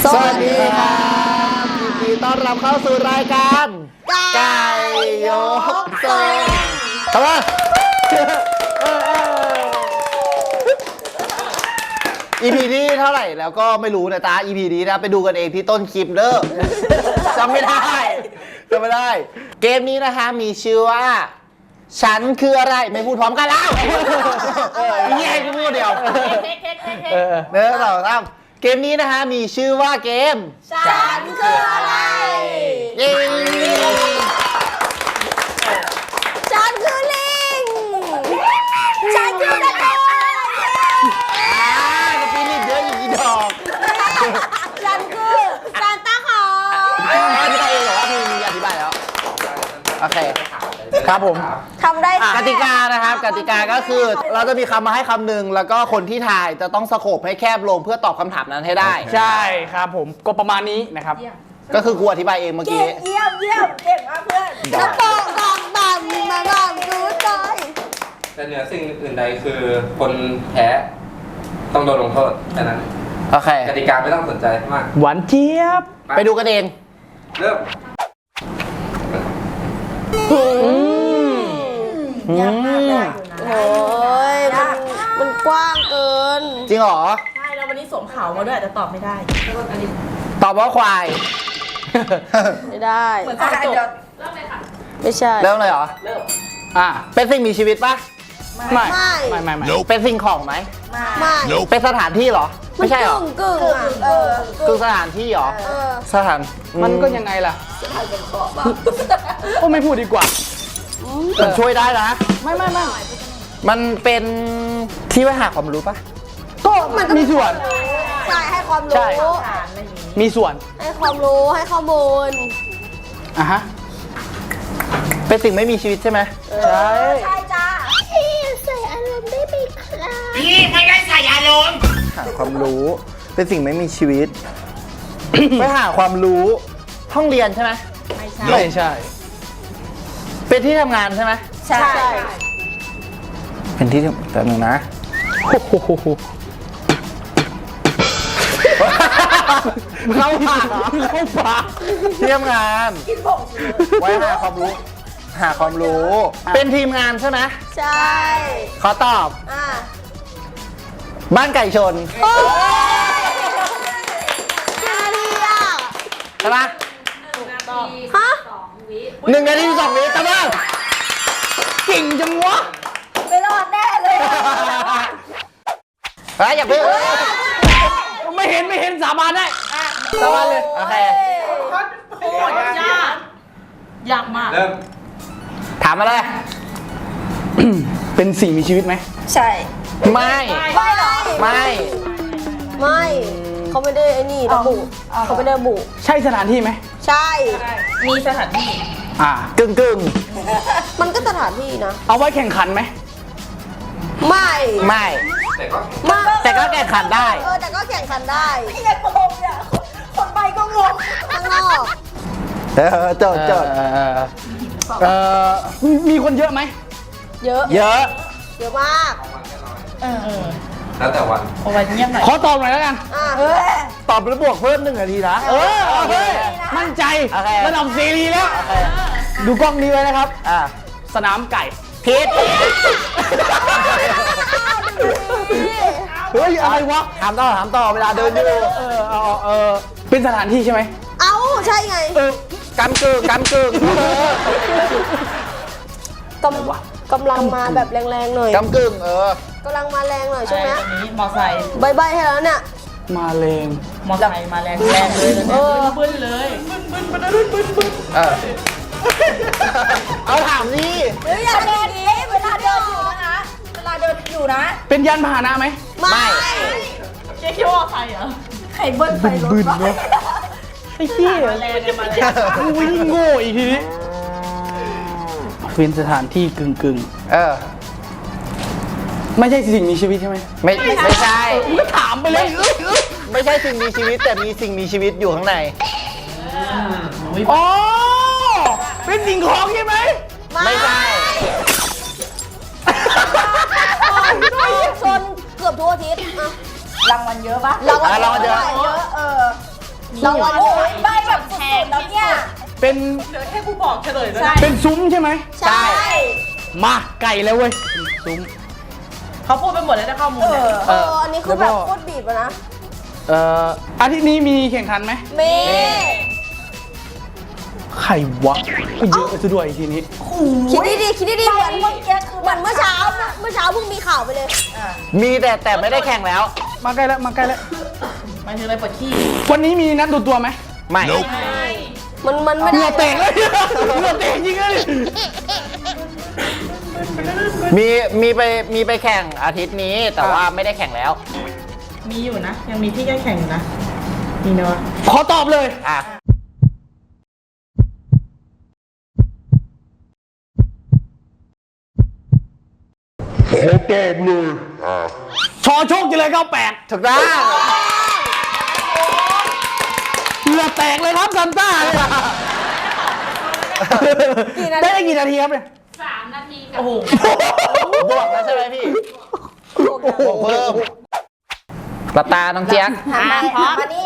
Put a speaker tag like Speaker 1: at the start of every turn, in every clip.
Speaker 1: สวัสดีครับยินดีต้อนรับเข้าสู่รายการไก่ยกทรงทำไมEP นี้เท่าไหร่แล้วก็ไม่รู้นะจ๊ะ EP นี้นะไปดูกันเองที่ต้นคลิปเด้อจำไม่ได้ เกมนี้นะคะมีชื่อว่าฉันคืออะไรไม่พูดพร้อมกันแล้วแย่กูพูดเดียวเนื้อเราทำเกมนี้นะคะมีชื่อว่าเกม
Speaker 2: ฉันคืออะไร
Speaker 1: เย้
Speaker 2: ฉันคือลิงฉันคือตะโกน
Speaker 1: กระปีนิดเยอะอีกดอก
Speaker 2: ฉันคือซานต้าคลอส
Speaker 1: อธิบายเองเหรอว่ามีอธิบายแล้วโอเคครับผม
Speaker 2: ทำได้
Speaker 1: กติกานะครับกติกาก็คือเราจะมีคำมาให้คำหนึ่งแล้วก็คนที่ทายจะต้องสโคปให้แคบลงเพื่อตอบคำถามนั้นให้ได้
Speaker 3: ใช่ครับผมก็ประมาณนี้นะครับ
Speaker 1: ก็คือกูอธิบายเองเมื่อกี้
Speaker 2: เยี่ยมเก่งมากเพื่อนน้ำโป่งกองบังมาลองดูใจ
Speaker 4: แต่เหนือสิ่งอื่นใดคือคนแพ้ต้องโดนลงโทษแค่นั้น
Speaker 1: โอเค
Speaker 4: กติกาไม่ต้องสนใจมาก
Speaker 3: หวานเจี๊ยบ
Speaker 1: ไปดูกันเอง
Speaker 4: เริ่ม
Speaker 2: ยากมากเลยโอ้ยมันกว้างเกิน
Speaker 1: จริงเหรอ
Speaker 5: ใช่แล้ววันนี้สวมเขามาด้วยอาจจะตอบไม่ได้
Speaker 1: ตอบว่าควาย
Speaker 2: ไม่ได้
Speaker 5: เหมือนจะจบ
Speaker 2: ไม่ใช่
Speaker 1: เริ่มเลยเหรอ
Speaker 3: อ่ะ
Speaker 1: เป็นสิ่งมีชีวิตปะ
Speaker 3: ไม่
Speaker 2: ไม่
Speaker 3: ไม่
Speaker 1: เป็นสิ่งของไหม
Speaker 2: ไม่
Speaker 1: เป็นสถานที่เหรอไม่ใช่เหรอก
Speaker 2: ึ่ง
Speaker 1: คือสถานที่เหรอสถาน
Speaker 3: มันก็ยังไงล่ะก็ไม่พูดดีกว่า
Speaker 1: มันช่วยได้นะ
Speaker 3: ไม่
Speaker 1: มันเป็นที่ไว้หาความรู้ปะ
Speaker 3: ก็มีส่วน
Speaker 2: ใช่ให้ความรู้
Speaker 3: ใช่ มีส่วน
Speaker 2: ให้ความรู้ให้ข้อมูล
Speaker 3: อ่ะฮะ
Speaker 1: เป็นสิ่งไม่มีชีวิตใช่ไหม
Speaker 3: ใช่
Speaker 2: ใช่จ้าพี่ใส่อารมณ์ได้ไหมครับ
Speaker 1: หาความรู้ เป็นสิ่งไม่มีชีวิต ไปหาความรู้ห้องเรียนใช่ไหม
Speaker 3: ไม่ใช่
Speaker 1: เป็นที่ทำงานใช่ไหม
Speaker 2: ใช่
Speaker 1: เป็นที่แต่หนึ่งนะ
Speaker 3: โอ้โห
Speaker 1: เข้าปากเหรอ
Speaker 3: เข้าปาก
Speaker 1: ที่ทำงานไว้หาความรู้ หาความรู้ เป็นทีมงานใช่ไหม
Speaker 2: ใช่
Speaker 1: ขอตอบ
Speaker 2: อ่ะ
Speaker 1: บ้านไก่ชน
Speaker 2: โอ้ยดีอ่ะ
Speaker 1: ใช่ปะ
Speaker 2: ฮะ
Speaker 1: 1 นาที 2 วิตะบ้าง
Speaker 3: เก่งจังวะ
Speaker 2: ไม่รอดแน่เลย
Speaker 1: เฮ้ยอย่าเพิ่ง
Speaker 3: ไม่เห็นสาบานได้
Speaker 1: ตะวันเลยโอเค
Speaker 5: โคตรยากยากมาก
Speaker 4: เริ่ม
Speaker 1: ถามมาเลย
Speaker 3: เป็นสิ่งมีชีวิตไหม
Speaker 2: ใช่
Speaker 1: ไม่
Speaker 2: ไม่หรอ
Speaker 1: ไม่
Speaker 2: ไม่เขาไม่ได้ไอ้นี่ระบุเขาไม่ได้ระบุ
Speaker 3: ใช่สถานที่ไหม
Speaker 2: ใช่
Speaker 5: มีสถานที่
Speaker 3: อ่ะ
Speaker 1: กึ่ง
Speaker 2: มันก็สถานที่นะ
Speaker 3: เอาไว้แข่งขันไหม
Speaker 2: ไม่
Speaker 1: ไม่
Speaker 4: แต่ก็
Speaker 2: ไม่
Speaker 1: แต่ก็แข่งขันได้
Speaker 2: แต่ก็แข่งขันได้ไอ้โป่งเนี่ยคนไปก็งงข้างนอก
Speaker 1: โจทย์
Speaker 3: เอ่อมีคนเยอะไหม
Speaker 2: เยอะ
Speaker 1: เยอะ
Speaker 2: เยอะมาก
Speaker 4: แล้วแต่วัน
Speaker 5: เอาไว้เงียบหน่อย
Speaker 3: ขอตอบหน่อยแล้วกัน
Speaker 2: อ่ะ
Speaker 1: ตอบแล้วบวกเพิ่ม1 นาทีนะ
Speaker 3: โอเคมั่นใจ
Speaker 1: โอเค
Speaker 3: ระดับซีรีแล้ว ดูกล้องนี้ไว้นะครับ สนามไก่
Speaker 1: ผิด
Speaker 3: เฮ้ย อะไรวะ
Speaker 1: ถามต่อเวลาเดินอยู่
Speaker 3: เป็นสถานที่ใช่ไหม
Speaker 2: เอ้าใช่ไง
Speaker 1: กำกึ่ง
Speaker 2: กำลังมาแบบแรงๆหน่อย
Speaker 1: กำกึ่ง
Speaker 2: กำลังมาแรงหน่อยใช่ไหม
Speaker 5: ตรงนี้มอไซค์
Speaker 2: ใบให้แล้วเนี่ย
Speaker 3: มาเลง
Speaker 5: มอไซค์มาแรงเลย บึ้นเลย
Speaker 1: เอาถามนี่
Speaker 2: เฮ้ยอย่าเดินดิเวลาเดินอยู่นะคะ
Speaker 5: เวลาเดินอยู่นะ
Speaker 3: เป็นยานพาหนะไหม
Speaker 2: ไม่
Speaker 5: เจ๊คิดว่าใครเหรอใครเบิ้ลไปรถวะ
Speaker 3: ไอ้เหี้ย
Speaker 5: มาแรงเนี่ยมาแรง
Speaker 3: กูยิ่งโง่อีกทีนี้เป็นสถานที่กึ่งไม่ใช่สิ่งมีชีวิตใช่ไหม
Speaker 1: ไม่ใช่
Speaker 3: มึงก็ถามไปเลย
Speaker 1: ไม่ใช่สิ่งมีชีวิตแต่มีสิ่งมีชีวิตอยู่ข้างใน
Speaker 3: อ๋อ เป็นสิ่งของใช่ไหม
Speaker 1: ไม่ใช่
Speaker 2: ชนเกือบทุกอาทิตย์อะ
Speaker 5: รางวัลเยอะปะ
Speaker 2: รางวัล
Speaker 1: รางวัลเยอะ
Speaker 2: เยอะเราวันโอ้ยใบแบบแพงแล้วเนี่ย
Speaker 3: เป็น
Speaker 5: เดี๋ยวให้กูบอกเฉลยแล้วนะ
Speaker 3: เป็นซุ้มใช่ไหม
Speaker 2: ใช่
Speaker 3: มาไก่แล้วเว้ยซุ้ม
Speaker 5: เขาพูดไปหมดแล้วนะข้อมูลเนี่ย
Speaker 2: อันนี้คือแบบโคตรบีบอะนะ
Speaker 3: อาทิตย์นี้มีแข่งขันไหม
Speaker 2: เม
Speaker 3: ใครวะเยอะซะด้วยทีนี้
Speaker 2: คิดดีๆคิดดีๆเหมือนเมื่อเช้าเพิ่งมีข่าวไปเลย
Speaker 1: มีแต่ไม่ได้แข่งแล้ว
Speaker 3: มาใกล้แล้วมาใกล้แล้ว
Speaker 5: หมายถึงอะไรปวดขี้
Speaker 3: วันนี้มีนัดดูตัวไหม
Speaker 1: ไม่
Speaker 2: มันไม่
Speaker 3: เห
Speaker 2: ได้
Speaker 3: งื่อแตกเลยเหงื่อแตกจริงเลย
Speaker 1: มีไปแข่งอาทิตย์นี้แต่ว่าไม่ได้แข่งแล้ว
Speaker 5: มีอยู่นะ ยังมีที่แก้แข่งอยู่นะมีเนาะ
Speaker 3: ขอตอบเลย
Speaker 1: อ่ะ
Speaker 3: ชอโชคจะเลย98
Speaker 1: ถูกต้อง
Speaker 3: เหงื่อแตกเลยครับซันต้าเนี่ยได้กี่นาทีครับเนี่ย
Speaker 5: โอ้โห
Speaker 1: บวกแล้วใช่ไหมพี่บวกเพิ่มกระตาน้องเจี๊ยก
Speaker 2: มานี่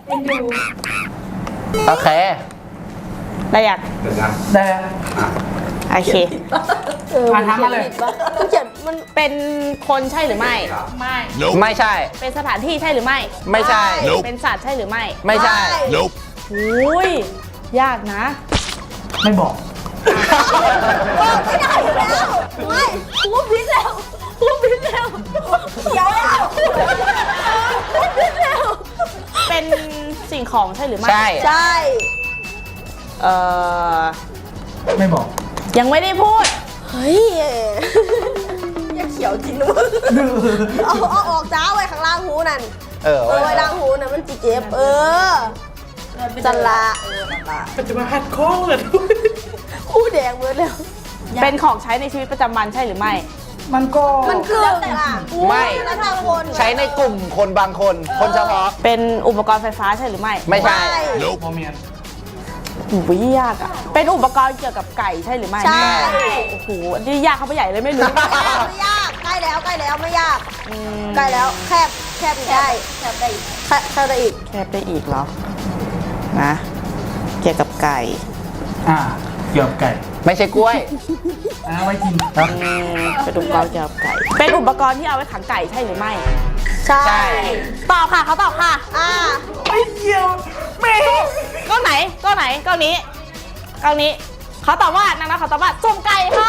Speaker 1: โอเค
Speaker 5: ได้อยาก
Speaker 3: ได้
Speaker 5: โอเค
Speaker 3: ถามมาเลย
Speaker 2: มันเขียนมัน
Speaker 5: เป็นคนใช่หรือไม่ ไม่
Speaker 1: ไม่ใช่
Speaker 5: เป็นสถานที่ใช่หรือไม่
Speaker 1: ไม่ใช่
Speaker 5: เป็นสัตว์ใช่หรือไม่
Speaker 1: ไม่ใช่
Speaker 5: อุ้ยยากนะ
Speaker 3: ไม่บอก
Speaker 2: บอกไม่ได้อยู่แล้วไม่พูดพิษแล้วเขียวแล้วพูดพิษแล้ว
Speaker 5: เป็นสิ่งของใช่หรือไม่
Speaker 1: ใช่
Speaker 2: ใช่
Speaker 5: เอ่อ
Speaker 3: ไม่บอก
Speaker 5: ยังไม่ได้พูด
Speaker 2: เฮ้ยอย่าเขียวจริงนะมึงเอาออกจ้าไว้ข้างล่างหูนั่น ไว้ล่างหูน่ะมันจีเจ็บจันละ
Speaker 5: ปัจจุบันหัดโค้งเลย
Speaker 2: คู่แดงเบิดแล้ว
Speaker 5: เป็นของใช้ในชีวิตประจำวันใช่หรือไม่
Speaker 3: มันก็
Speaker 2: มันคือแต่ละ
Speaker 1: ไม่
Speaker 2: แล้วทางคน
Speaker 1: ใช้ในกลุ่มคนบางคน คนเฉพาะ
Speaker 5: เป็นอุปกรณ์ไฟฟ้าใช่หรือไม่
Speaker 1: ไม่ใช่
Speaker 3: พอเมียน
Speaker 5: อุ้ยยากอ่ะ เป็นอุปกรณ์เกี่ยวกับไก่ใช่หรือไม่
Speaker 2: ใช่
Speaker 5: โอ้โหนี่ยากเข้าไปใหญ่เลยไม่รู้
Speaker 2: ไม่ยากใกล้แล้วไม่ยากใกล้แล้วแคบอีกได้แคบได้อีกแคบได้อีก
Speaker 5: แคบได้อีกเหรอ นะ เกี่ยวกับไก่
Speaker 3: เกี่ยวกับไก่
Speaker 1: ไม่ใช่กล้วย
Speaker 3: ไว้กิน
Speaker 5: เป็นอุปกรณ์เกี่ยวกับไก่ เป็นอุปกรณ์ที่เอาไว้ขังไก่ใช่หรือไม่
Speaker 2: ใช่
Speaker 1: ใช่
Speaker 5: ตอบค่ะเขาตอบค่ะ
Speaker 3: ไม่เกี่ยวไม่
Speaker 5: ก้อนไหนก้อนไหนก้อนนี้ก้อนนี้เขาตอบว่านางนะเขาตอบว่าสุ่มไก่ค่ะ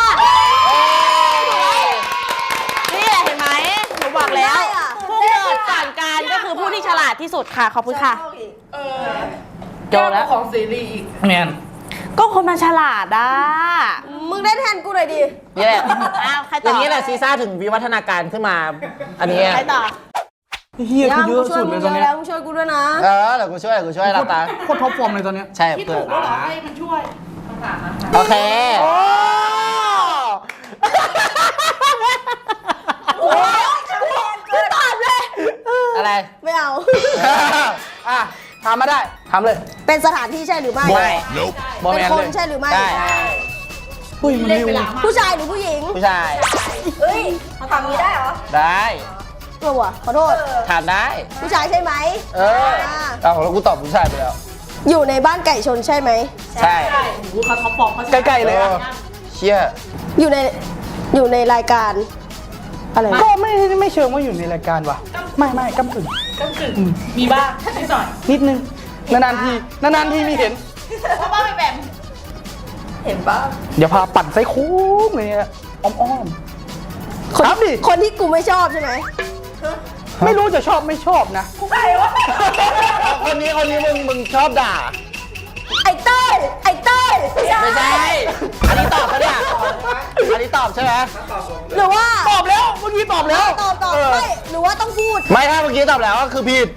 Speaker 5: นี่แหละเห็นไหมหนูบอกแล้วผู้เกิดก่อนการก็คือผู้ที่ฉลาดที่สุดค่ะขอบคุณค่ะโจแล้วของซีรีส์อีก
Speaker 3: เมียน
Speaker 5: ก็คนมันฉลาดอ่ะ
Speaker 2: มึงได้แทนกูหน่อยดิ
Speaker 1: นี่แหละ
Speaker 5: อ้าวใคร
Speaker 1: อ
Speaker 5: ต่อย่าง
Speaker 1: นี้แหละซีซ่าถึงวิวัฒนาการขึ้นมา อันนี้
Speaker 5: ใครต่อ
Speaker 3: เฮียคือเยอะสุดเลยตอนเนี้ย
Speaker 2: มึงช่วยกูด้วยนะ
Speaker 1: เดี๋ยวกูช่วยรับตา
Speaker 3: โคตรท็อปฟอร์มเลยตอนเนี้ย
Speaker 1: ใช่เพื่อน
Speaker 5: ให้มันช่วย
Speaker 1: โอเค
Speaker 2: กูตอบเลย
Speaker 1: อะไร
Speaker 2: ไม่เอา
Speaker 3: ถามมาได้ถามเลย
Speaker 2: เป็นสถานที่ใช่หรือไม่
Speaker 1: ไม่
Speaker 3: บอ
Speaker 2: เป็
Speaker 3: แม
Speaker 2: น
Speaker 3: น
Speaker 2: ค
Speaker 3: เล
Speaker 2: น
Speaker 3: ย
Speaker 2: ใช่หรือไม่
Speaker 1: ใช่
Speaker 3: เฮ้ยมันเร็ว
Speaker 2: ผู้ชายหรือผู้หญิง
Speaker 1: ผู้ชาย
Speaker 2: เฮ้ยเขาทำนี้ได้เหรอ
Speaker 1: ได้
Speaker 2: ตัวขอโทษ
Speaker 1: ถามได้
Speaker 2: ผู้ชายใช่ไหม
Speaker 1: เอาแล้วกูตอบผู้ชายไปแล้ว
Speaker 2: อยู่ในบ้านไก่ชนใช่ไหม
Speaker 1: ใช่
Speaker 5: เขาท็อปฟอร์มเขา
Speaker 3: ใกล้ๆเลยอะ
Speaker 1: เชี่ย
Speaker 2: อยู่ในรายการอะไรนะ
Speaker 3: ก็ไม่เชิงว่าอยู่ในรายการว่ะ ไม่กำกึ่ง
Speaker 5: มีบ้างนิดหน่อย
Speaker 3: นิดนึงนานๆทีมีเห็น
Speaker 5: ว่าบ้างไม่แบบ
Speaker 2: เห็นปะ
Speaker 3: เดี๋ยวพาปั่นไส้โค้งเลยอะอ้อม
Speaker 2: คน
Speaker 3: ครับดิ
Speaker 2: คนที่กูไม่ชอบใช่ไหม
Speaker 3: ๆไม่รู้จะชอบไม่ชอบนะ
Speaker 1: คนนี้มึงชอบด่า
Speaker 2: ไอ้เต้ย
Speaker 1: ไม่ใช่ อันนี้ตอบเขาเนี่ยอันนี้ตอบใช่ไหม
Speaker 2: หรือว่า
Speaker 3: ตอบแล้วเมื่อกี้ตอบแล้ว
Speaker 2: ตอบไม่หรือว่าต้องพูด
Speaker 1: ไม่ถ้าเมื่อกี้ตอบแล้วก็คือผิด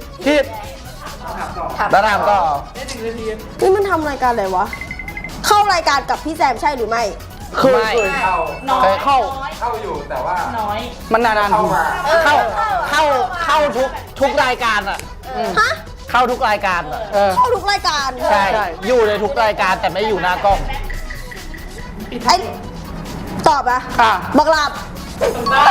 Speaker 1: แล้วถามต่อ
Speaker 2: นี่มันทำรายการอะไรวะ เข้ารายการกับพี่แซมใช่หรือไม่
Speaker 3: เคย
Speaker 4: เข้า
Speaker 5: น้อย
Speaker 3: เข้า
Speaker 4: เข้าอยู่แต่ว่า
Speaker 5: น้อย
Speaker 3: มันนานๆ
Speaker 4: เข้า
Speaker 3: ที
Speaker 4: มา
Speaker 1: เข้าทุกรายการอ่ะ
Speaker 2: ฮะ
Speaker 1: เข้าทุกรายการอ่ะ
Speaker 2: เข้าทุกรายการ
Speaker 1: ใช่ อยู่ในทุกรายการแต่ไม่อยู่หน้ากล้อง
Speaker 2: ไอ้ตอบอะ
Speaker 3: อ่ะ
Speaker 2: บักหลับ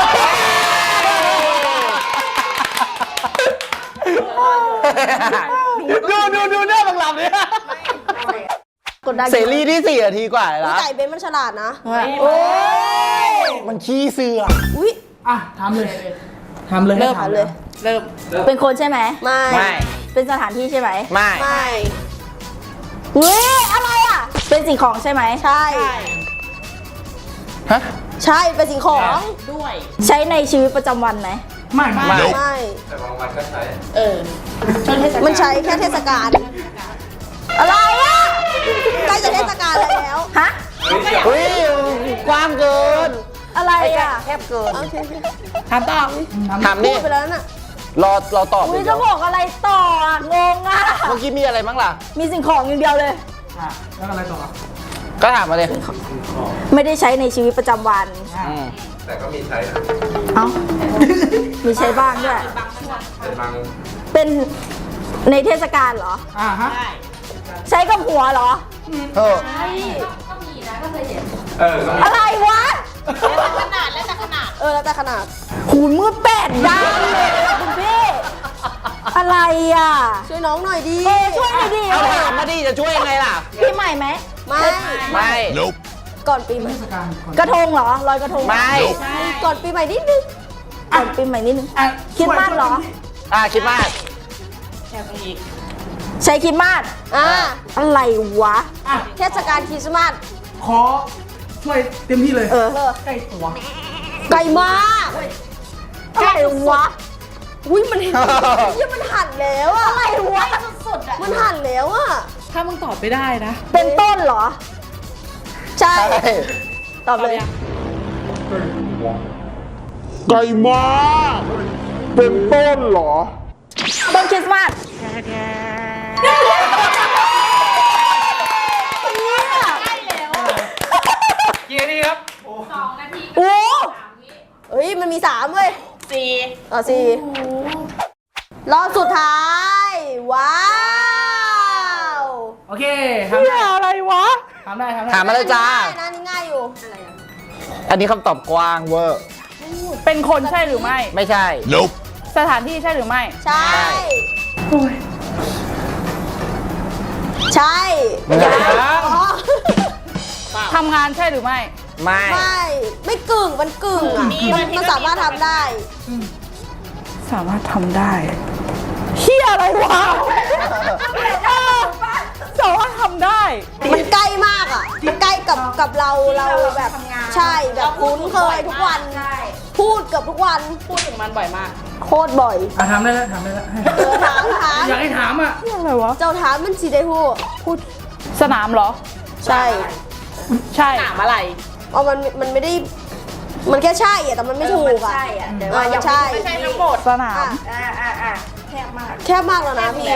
Speaker 1: มดูหน้าบังหลับเนี่ย
Speaker 2: กดดัน
Speaker 1: เสรีที่4 นาทีกว่าเลย
Speaker 2: อุ๊ย
Speaker 1: นะ
Speaker 2: ไก่เบนมันฉลาดนะ
Speaker 5: โอ้
Speaker 1: มันขี้เสือ
Speaker 2: อุ้ย
Speaker 3: อ่ะถามเลยถามเลย
Speaker 2: เริ่ม
Speaker 3: ให้ถาม
Speaker 2: เลย
Speaker 5: เริ่ม
Speaker 6: เป็นคนใช่ไหม
Speaker 2: ไม่
Speaker 1: ไม่
Speaker 6: เป็นสถานที่ใช่ไหม
Speaker 1: ไม่
Speaker 2: ไม่
Speaker 6: เฮ้ยอะไรอ่ะ เป็นสิ่งของใช่ไหม
Speaker 2: ใช่
Speaker 1: ฮะ
Speaker 2: ใช่เป็นสิ่งของ
Speaker 5: ด้วย
Speaker 6: ใช้ในชีวิตประจำวันไหม
Speaker 3: ไม่
Speaker 1: ไม่
Speaker 2: ไม่
Speaker 4: แต่บางวันก็ใช้
Speaker 5: ช่วงเทศกาล
Speaker 2: มันใช้แค่เทศกาลอะไรอ่ะใกล้จะเทศกาลแล้ว
Speaker 6: ฮะ
Speaker 1: เฮ้ยกว้างเกิน
Speaker 6: อะไรอ่ะ
Speaker 1: แคบเกิน
Speaker 2: โอเค
Speaker 5: ถามต่อ
Speaker 1: ถาม
Speaker 2: พู
Speaker 1: นี่
Speaker 2: ดไปแล้วน่ะ
Speaker 1: เราตอบ
Speaker 6: อุ้ย
Speaker 1: เดี
Speaker 6: จะ
Speaker 1: ยว
Speaker 6: บอกอะไรต่ออ่ะงงอ่ะ
Speaker 1: เมื่อกี้มีอะไรบ้างล่ะ
Speaker 6: มีสิ่งของอย่างเดียวเลย
Speaker 3: อ่ะแล้วอะไรต่อ
Speaker 1: ก็ถามมาเลย
Speaker 6: ไม่ได้ใช้ในชีวิตประจำวัน
Speaker 1: อืม
Speaker 4: แต่ก็มีใช้นะ
Speaker 6: เอ้า มีใช้บ้างด้วย
Speaker 4: เป็นบาง
Speaker 6: เป็นในเทศกาลเหรอ
Speaker 3: อ่ะฮะ
Speaker 6: ใช้กับหัวเหรอ
Speaker 1: เออ
Speaker 4: ก็มี
Speaker 6: อะไรวะ
Speaker 5: ขนาดแล้วแต่ขนาด
Speaker 2: แล้วแต่ขนาด
Speaker 6: หูมือ8 ด้านเลยอะคุณพี่ อะไรอ่ะ
Speaker 2: ช่วยน้องหน่อยดิ
Speaker 6: ช่วยหน่อยดิ
Speaker 1: เอาถามมาดิจะช่วยยังไงล่ะ
Speaker 6: พี่ใหม่ไหม
Speaker 2: ไม่
Speaker 1: ไม่
Speaker 2: ก่อนปีใหม่
Speaker 6: กระทงเหรอลอยกระทงเหรอ
Speaker 1: ไม่
Speaker 2: ก่อนปีใหม่นิดนึง
Speaker 6: ก่อนปีใหม่นิดนึง
Speaker 3: อ่ะ
Speaker 6: คิดมากเหรอ
Speaker 1: คิดมาก
Speaker 5: แค่ตรงนี้
Speaker 6: ใช้คิดมาก อะไรวะ
Speaker 3: อ่ะ
Speaker 2: เทศกาลคริสต์มาส
Speaker 3: ขอช่วยเต็มที่เลย
Speaker 6: เออ
Speaker 3: ใกล้ตัว
Speaker 2: ไกลมาก
Speaker 6: อะไรวะ
Speaker 2: อุ้ยมันยังมันหั่นแล้วอะ
Speaker 6: อะไรวะ
Speaker 2: มันหั่นแล้วอะ
Speaker 5: ถ้ามึงตอบไม่ได้นะ
Speaker 6: เป็นต้นเหรอ
Speaker 2: ใช่
Speaker 1: ใช่
Speaker 6: ตอบเลย
Speaker 7: ไกลมากเป็นต้นเหรอ
Speaker 6: ต้นคริสต์มาส
Speaker 3: กี่นาทีครับ
Speaker 6: โอ้
Speaker 2: เฮ้ยมันมี3เว้ย
Speaker 5: 4
Speaker 2: สี่รอบสุดท้าย ว้าว
Speaker 3: โอเคทำได้
Speaker 6: อะไรวะ
Speaker 3: ทำได้ทำได้
Speaker 1: ถามมาเลยจ้า
Speaker 2: ง่ายนะนี่ง่ายอยู่
Speaker 1: อันนี้คำตอบกว้างเวอร์
Speaker 5: เป็นคนใช่หรือไม่
Speaker 1: ไม่ใช่
Speaker 7: Nope
Speaker 5: สถานที่ใช่หรือไม่
Speaker 2: ใช่
Speaker 3: โอ้ย
Speaker 2: ใช่
Speaker 1: ไม่ใช่
Speaker 2: อ๋อ
Speaker 5: ทำงานใช่หรือไม่
Speaker 1: ไม่
Speaker 2: ไม่กึ่งมันกึ่งอะมันสามารถทำได้
Speaker 5: สามารถทำได้เฮียอะไรวะสามารถทำได้
Speaker 2: มันใกล้มากอ่ะ มันใกล้กับเราแบบใช่แบบคุ้นเคยทุกวัน พูดเกับทุกวัน
Speaker 5: พูดถึงมันบ่อยมาก
Speaker 2: โคตรบ่อย
Speaker 3: อ่ะทำได้แล้วทำได้แล้ว
Speaker 2: ถาม
Speaker 3: อยากให้ถามอ่ะ
Speaker 5: อะไรวะ
Speaker 2: เจ้าถามมันสีได้พูด
Speaker 5: สนามเหรอ
Speaker 2: ใช่
Speaker 5: ใช่สนามอะไร
Speaker 2: อ๋อมันไม่ได้ มันแค่ใช่อะแต่มันไม่ถูกอ่ะ
Speaker 6: ใช่อะแต่
Speaker 2: ว่าใช่
Speaker 5: ไม่ใช่ทั้งหมดสนาม
Speaker 6: แคบมาก
Speaker 2: แค่มากแล้วนะพี่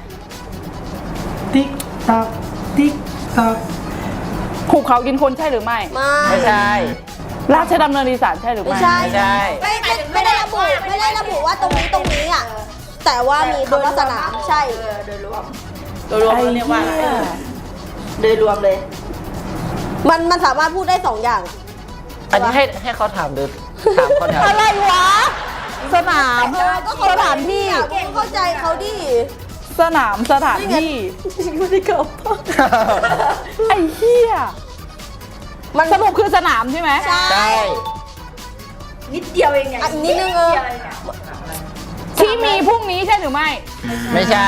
Speaker 3: ติ๊กตักติ๊กตัก
Speaker 5: ภูเขากินคนใช่หรือไม่
Speaker 1: ไม่ใช่
Speaker 5: ราชดำเนินอีสานใช่หรือ
Speaker 2: ไม่
Speaker 5: ไม่
Speaker 2: ใช่
Speaker 1: ไม่ใช่
Speaker 2: ไม่ได้ระบุว่าตรงนี้อ่ะ แต่ว่ามีคำว่าสนามใช่
Speaker 6: โดยรวม
Speaker 5: โดยรวมเราเรียกว่าอะไร
Speaker 6: โดยรวมเลย
Speaker 2: มันสามารถพูดได้2อย่างอะ
Speaker 1: อันนี้ให้เขาถามดูถามเขาถาม
Speaker 6: อะไรวะ สนาม
Speaker 2: ก็สถานที่เข้าใจเขาดิ
Speaker 5: สนามสถานที่
Speaker 2: ไม่ได้เกิด
Speaker 5: ไอ้เหี้ย
Speaker 2: มัน
Speaker 5: สรุปคือสนามใช่ไหม
Speaker 2: ใช่
Speaker 1: ใช่
Speaker 6: นิดเดียวเองไง
Speaker 2: อ่ะอีกนิดนึง
Speaker 6: ดียวงอะ
Speaker 5: ที่มีพรุ่งนี้ใช่หรือไม่
Speaker 1: ไม่ใช่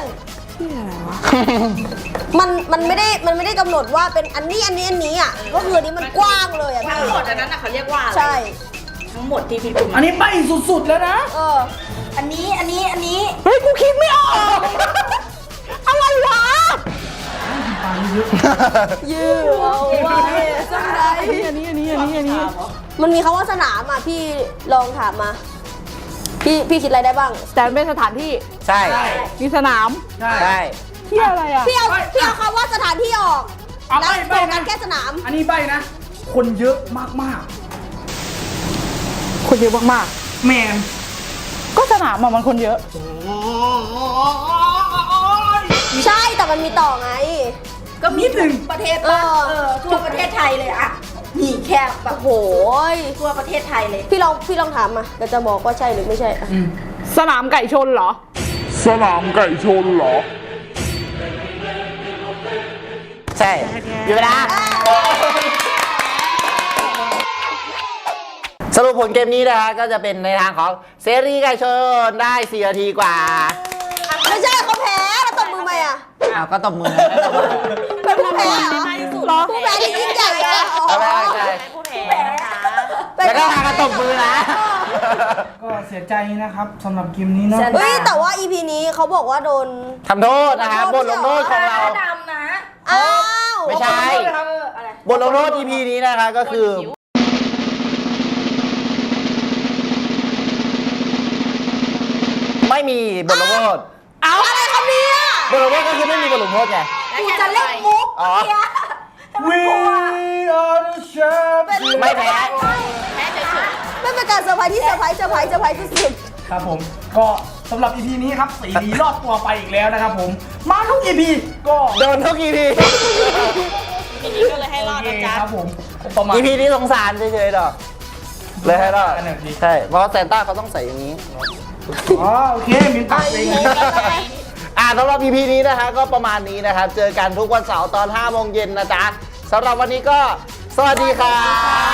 Speaker 2: มันไม่ได้กำหนดว่าเป็นอันนี้อ่ะก็คืออันนี้มันกว้างเลยอ่ะพี่
Speaker 6: ทั้งหมดอันนั้นน่ะเขาเรียกว่าอะไร
Speaker 2: ใช่
Speaker 6: ทั้งหมดที่พี่ปุ่ม
Speaker 3: อันนี้ไปสุดๆแล้วนะ
Speaker 2: อันนี้
Speaker 5: เฮ้ย กูคิดไม่ออก อะไรวะ
Speaker 2: ยืดเอาไว้สักไหน
Speaker 5: อันนี้
Speaker 2: มันมีคำว่าสนามอ่ะพี่ลองถามมา พี่คิดอะไรได้บ้าง
Speaker 5: แต่มันเป็นสถานที่
Speaker 1: ใช่
Speaker 5: มีสนาม
Speaker 3: ใช่
Speaker 1: ใช่
Speaker 5: เที่ยอะไรอ่ะ
Speaker 2: พี่เอาคำว่าสถานที่ออก
Speaker 3: เอา
Speaker 2: แล้ว
Speaker 3: ไป
Speaker 2: โฟกัสแค่สนาม
Speaker 3: อันนี้ใบนะ คนเยอะมาก
Speaker 5: คนเยอะมาก
Speaker 3: ๆ แมน
Speaker 5: ๆ ก็สนามอะมันคนเยอะ
Speaker 2: ใช่แต่มันมีต่อไง
Speaker 6: ก็มีถึงประเทศป่ะ
Speaker 2: เออ
Speaker 6: ทั่วประเทศไทยเลยอะนี่แค่แบบ
Speaker 2: โอ้โหย
Speaker 6: ทั่วประเทศไทยเลย
Speaker 2: พี่ลองถามมาเดี๋ยวจะบอกว่าใช่หรือไม่ใช่อ่ะ
Speaker 5: สนามไก่ชนเหรอ
Speaker 7: สนามไก่ชนเหรอ
Speaker 1: ใช่อยู่เวลาสรุปผลเกมนี้นะคะก็จะเป็นในทางของเซรีไก่ชนได้4 นาทีกว่า
Speaker 2: ไม่ใช่เขาแพ้แล้วตบมือไหมอ่ะ
Speaker 1: อ้าวก็ตบมือ
Speaker 2: เป็นผู้แพ้เหรอ
Speaker 5: หรอ
Speaker 2: ผู้แพ้ที่ยิ่งใหญ่อะ
Speaker 1: เอาไปใช่
Speaker 5: ผู้แพ้นะคะ
Speaker 1: แล้วก็พากันตบมือนะ
Speaker 3: ก็เสียใจนะครับสำหรับเกมนี้เนาะ
Speaker 2: เฮ้ยแต่ว่า EP นี้เขาบอกว่าโดน
Speaker 1: ทำโทษนะครับบทลงโทษของเรา
Speaker 6: ดำนะ
Speaker 2: อ้าว
Speaker 1: ไม่ใช่ บทลงโทษ EP นี้นะคะก็คือ ไม่มีบทลงโทษ
Speaker 2: เอาอะไรครับเนี่ย
Speaker 1: บทลงโทษก็คือไม่มีบทลงโทษไง
Speaker 2: กูจะเล่นมุก
Speaker 1: อ๋อ
Speaker 2: เนี่ย
Speaker 3: We are the champions
Speaker 1: ไม่แพ้
Speaker 2: ไม่เป็นการเซอร์ไพรส์ที่เซอร์ไพรส์สุด
Speaker 3: ครับผมก็สำหรับ EP นี้ครับสีดีรอดตัวไปอีกแล้วนะครับผม มาทุก EP ก็
Speaker 1: โดนทุก EP
Speaker 5: ทีนี้ก็เลยให้รอด
Speaker 3: โอ
Speaker 5: นะ
Speaker 3: เค
Speaker 5: จ๊ะ
Speaker 3: ครับผมประมาณ
Speaker 1: EP นี้สงสารเฉยๆดอกเลยให้รอด
Speaker 3: อันไหนพี่
Speaker 1: ใช่เพราะแซนต้าเขาต้องใส่อย่างนี้
Speaker 3: อ๋อโอเคมินตัดเอง
Speaker 1: สำหรับ EP นี้นะคะก็ประมาณนี้นะครับ เจอกันทุกวันเสาร์ตอน 5 โมงเย็นนะจ๊ะสำหรับวันนี้ก็สวัสดีครับ